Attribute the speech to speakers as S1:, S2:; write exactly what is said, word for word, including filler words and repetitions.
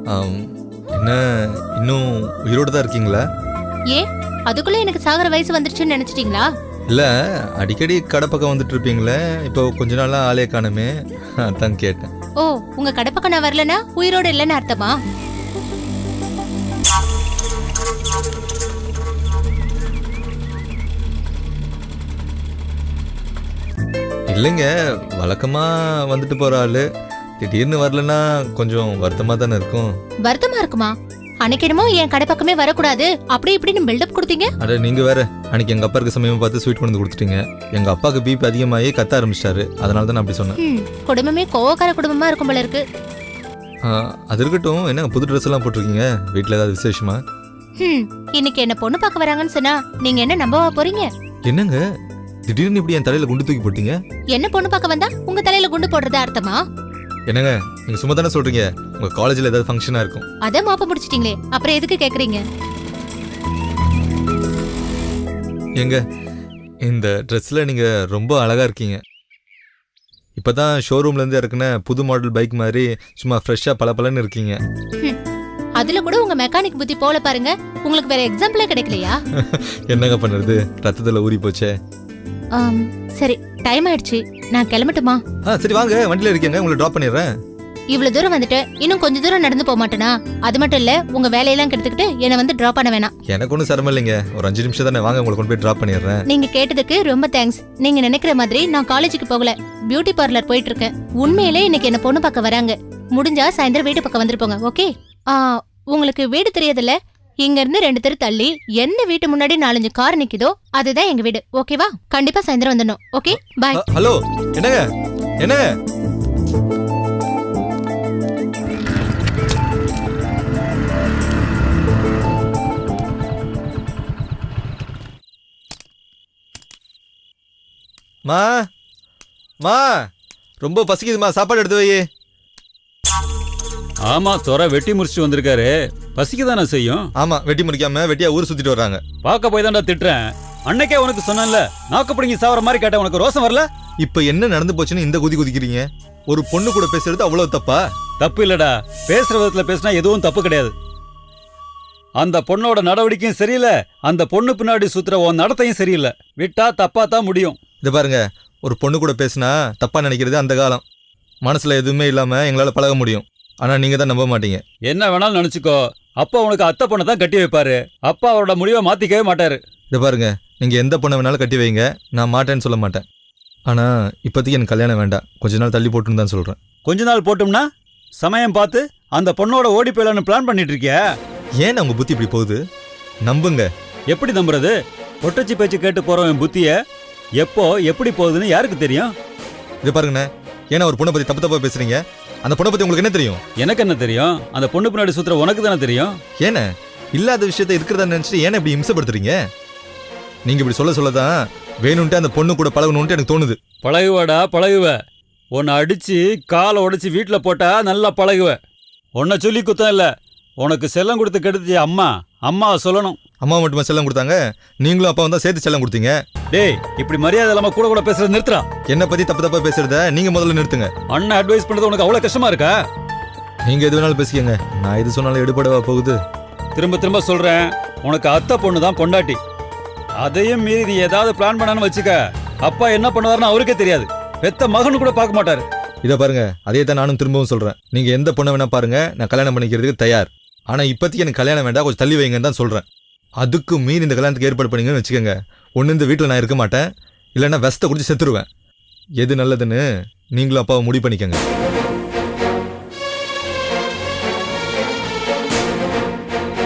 S1: என்ன இன்னும் உயிரோடு தான் இருக்கீங்களா?
S2: ஏ அதுக்குள்ள எனக்கு சாகர வயசு வந்துருச்சுன்னு நினைச்சிட்டீங்களா?
S1: இல்ல அடிக்கடி கடை பக்கம் வந்துட்டு இருப்பீங்களே, இப்போ கொஞ்ச நாளா ஆளே காணுமே, அதான் கேட்டேன்.
S2: ஓ உங்க கடை பக்கம் நான் வரலனா உயிரோடு இல்லைன்னு அர்த்தமா?
S1: இல்லைங்க, வழக்கமா வந்துட்டு போற ஆளு திடீர்னு வரலன்னா கொஞ்சம் வருத்தமா தானே இருக்கும்.
S2: வருத்தமா இருக்குமா? அன்னைக்கு என்னமோ என் கடை பக்கமே வரக்கூடாது அப்படி இப்படின்னு பில்டப் கொடுத்தீங்க.
S1: அட நீங்க வேற, அன்னைக்கு எங்க அப்பா இருக்க சமயம் பார்த்து ஸ்வீட் கொண்டு கொடுத்துட்டீங்க. எங்க அப்பாவுக்கு பிபி அதிகமாகி கத்த ஆரம்பிச்சிட்டாரு, அதனால தான் நான் அப்படி சொன்னேன்.
S2: குடும்பமே கோவக்கார குடும்பமா இருக்கும் போல இருக்கு.
S1: அது இருக்கட்டும், என்ன புது ட்ரெஸ் எல்லாம் போட்டிருக்கீங்க, வீட்டில் ஏதாவது விசேஷமா?
S2: ம் இன்னைக்கு என்ன பொண்ணு பார்க்க வராங்கன்னு சொன்னா நீங்க என்ன நம்பவா போறீங்க?
S1: என்னங்க திடீர்னு இப்படி என் தலையில குண்டு தூக்கி போட்டீங்க?
S2: என்ன பொண்ணு பார்க்க வந்தா உங்க தலையில குண்டு போடுறதா அர்த்தமா?
S1: என்னங்க நீங்க சும்மா தானே சொல்றீங்க, உங்க காலேஜ்ல ஏதாவது ஃபங்க்ஷனா இருக்கும்.
S2: அத மாப்ப முடிச்சிட்டீங்களே, அப்புறம் எதுக்கு கேக்குறீங்க?
S1: எங்க இந்த ட்ரெஸ்ல நீங்க ரொம்ப அழகா இருக்கீங்க. இப்பதான் ஷோரூம்ல இருந்து இறக்குன புது மாடல் பைக் மாதிரி சும்மா ஃப்ரெஷ்ஷா பளபளன்னு இருக்கீங்க.
S2: அதுல கூட உங்க மெக்கானிக் புத்தி போல பாருங்க, உங்களுக்கு வேற எக்ஸாம்பிளே கிடைக்கலையா?
S1: என்னங்க பண்றது, ரத்தத்துல ஊறி போச்சே.
S2: சரி டைம் ஆயிடுச்சு, நான் கிளம்பட்டுமா?
S1: சரி வாங்க, வண்டியில இருக்கேங்க, உங்களை டிராப் பண்ணிடுறேன்.
S2: இவ்வளவு தூரம் வந்துட்டு இன்னும் கொஞ்ச தூரம் நடந்து போக மாட்டேனா? அது மட்டும் இல்ல உங்க வேலையெல்லாம் கெடுத்துக்கிட்டு என்ன வந்து டிராப் பண்ண வேணாம்.
S1: எனக்கு ஒன்றும் சிரமம் இல்லைங்க, ஒரு அஞ்சு நிமிஷம் தானே, வாங்க உங்களை கொண்டு போய் டிராப் பண்ணிடுறேன்.
S2: நீங்க கேட்டதுக்கு ரொம்ப தேங்க்ஸ். நீங்க நினைக்கிற மாதிரி நான் காலேஜுக்கு போகல, பியூட்டி பார்லர் போயிட்டு இருக்கேன். உண்மையிலே இன்னைக்கு என்ன பொண்ணு பார்க்க வராங்க. முடிஞ்சா சாயந்தரம் வீட்டு பக்கம் வந்துருப்போங்க. ஓகே? உங்களுக்கு வீடு தெரியாதுல்ல, இங்க இருந்து ரெண்டு தெரு தள்ளி எந்த வீட்டு முன்னாடி நாலஞ்சு கார் நிக்குதோ அதுதான் எங்க வீடு. ஓகேவா? கண்டிப்பா சாயந்தரம் வந்துடணும். Okay bye.
S1: ஹலோ என்னங்க என்னங்க மா மா ரொம்ப பசிக்குதுமா, சாப்பாடு எடுத்து வை.
S3: ஆமா, துறை வெட்டி முடிச்சுட்டு வந்திருக்காரு, பசிக்குதானே செய்யும்.
S1: ஆமா, வெட்டி முடிக்காம வெட்டியா ஊர் சுத்திட்டு வர்றாங்க.
S3: பார்க்க போய் தான்டா திட்டுறேன். அன்னைக்கே உனக்கு சொன்னேன்ல, நாக்கு பிடிங்கி சாவற மாதிரி கேட்ட உனக்கு ரோசம் வரல.
S1: இப்ப என்ன நடந்து போச்சுன்னு இந்த குதி குதிக்கிறீங்க? ஒரு பொண்ணு கூட பேசுறது அவ்வளவு தப்பா?
S3: தப்பு இல்லடா, பேசுற விதத்துல பேசினா எதுவும் தப்பு கிடையாது. அந்த பொண்ணோட நடவடிக்கையும் சரியில்லை, அந்த பொண்ணு பின்னாடி சுத்துற உன் நடத்தையும் சரியில்லை. விட்டா தப்பா தான் முடியும்.
S1: இதை பாருங்க, ஒரு பொண்ணு கூட பேசினா தப்பா நினைக்கிறது அந்த காலம். மனசுல எதுவுமே இல்லாம எங்களால பழக முடியும். ஆனா நீங்க தான் நம்ப மாட்டீங்க.
S3: என்ன வேணாலும் நினைச்சுக்கோ, அப்பா உனக்கு அத்தை பொண்ணை தான் கட்டி வைப்பாரு. அப்பா அவரோட முடிவை மாத்திக்கவே மாட்டாரு.
S1: இதை பாருங்க, நீங்க எந்த பொண்ணை வேணாலும் கட்டி வைங்க, நான் மாட்டேன்னு சொல்ல மாட்டேன். ஆனா இப்போதைக்கு எனக்கு கல்யாணம் வேண்டாம், கொஞ்ச நாள் தள்ளி போட்டுன்னு தான் சொல்றேன்.
S3: கொஞ்ச நாள் போட்டோம்னா சமயம் பார்த்து அந்த பொண்ணோட ஓடி போயிடலான்னு பிளான் பண்ணிட்டு இருக்கியா?
S1: ஏன் உங்க புத்தி இப்படி போகுது? நம்புங்க.
S3: எப்படி நம்புறது? பொட்டச்சி பேச்சு கேட்டு போறவன் புத்திய எப்போ எப்படி போகுதுன்னு யாருக்கு தெரியும்?
S1: இதை பாருங்கண்ணே, ஏன்னா ஒரு பொண்ணை பத்தி தப்பு தப்பா பேசுறீங்க? அந்த பொண்ணை பத்தி உங்களுக்கு என்ன தெரியும்?
S3: எனக்கு என்ன தெரியும்? அந்த பொண்ணு பின்னாடி சுத்துற உனக்கு தானே தெரியும்.
S1: ஏன்னா இல்லாத விஷயத்த இருக்கிறதா நினைச்சிட்டு ஏன்னா இப்படி இம்சப்படுத்துறீங்க? நீங்க இப்படி சொல்ல சொல்லதான் வேணும்ட்டு அந்த பொண்ணு கூட பழகணும்ட்டு எனக்கு தோணுது.
S3: பழகுவடா பழகுவ. உன்னை அடிச்சு காலை உடைச்சு வீட்டுல போட்டா நல்லா பழகுவ. உன்னை சொல்லி குத்தம் இல்ல, உனக்கு செல்லம் கொடுத்து கெடுத்து அம்மா அம்மாவை சொல்லணும்.
S1: அம்மா மட்டுமா செல்லம் கொடுத்தாங்க? நீங்களும் அப்பா வந்தா சேர்த்து செல்லம் கொடுத்தீங்க.
S3: டேய், இப்படி மரியாதை இல்லாம கூட கூட பேசுறது நிறுத்துறா.
S1: என்ன பத்தி தப்பு தப்பா பேசுறத நீங்க முதல்ல நிறுத்துங்க.
S3: அண்ணன் அட்வைஸ் பண்றது உனக்கு அவ்வளவு கஷ்டமா இருக்கா?
S1: நீங்க எது வேணாலும் பேசிக்கங்க, நான் எது சொன்னாலும் எடுபடவா போகுது?
S3: திரும்ப திரும்ப சொல்றேன், உனக்கு அத்தை பொண்ணு தான் பொண்டாட்டி. அதையும் மீறி நீ ஏதாவது பிளான் பண்ணான்னு வச்சுக்க, அப்பா என்ன பண்ணுவாருன்னு அவருக்கே தெரியாது. பெத்த மகனு கூட பார்க்க மாட்டாரு.
S1: இதை பாருங்க, அதே தான் நானும் திரும்பவும் சொல்றேன். நீங்க எந்த பொண்ணை வேணா பாருங்க, நான் கல்யாணம் பண்ணிக்கிறதுக்கு தயார். ஆனா இப்போதைக்கு எனக்கு கல்யாணம் வேண்டாம், கொஞ்சம் தள்ளி வைங்கன்னு தான் சொல்றேன். அதுக்கு மீறி இந்த கல்யாணத்துக்கு ஏற்பாடு பண்ணீங்கன்னு வச்சுக்கோங்க, ஒன்று இந்த வீட்டில் நான் இருக்க மாட்டேன், இல்லைன்னா வெஸ்ட்டை குடிச்சு செத்துருவேன். எது நல்லதுன்னு நீங்களும் அப்பாவை முடிவு பண்ணிக்கோங்க.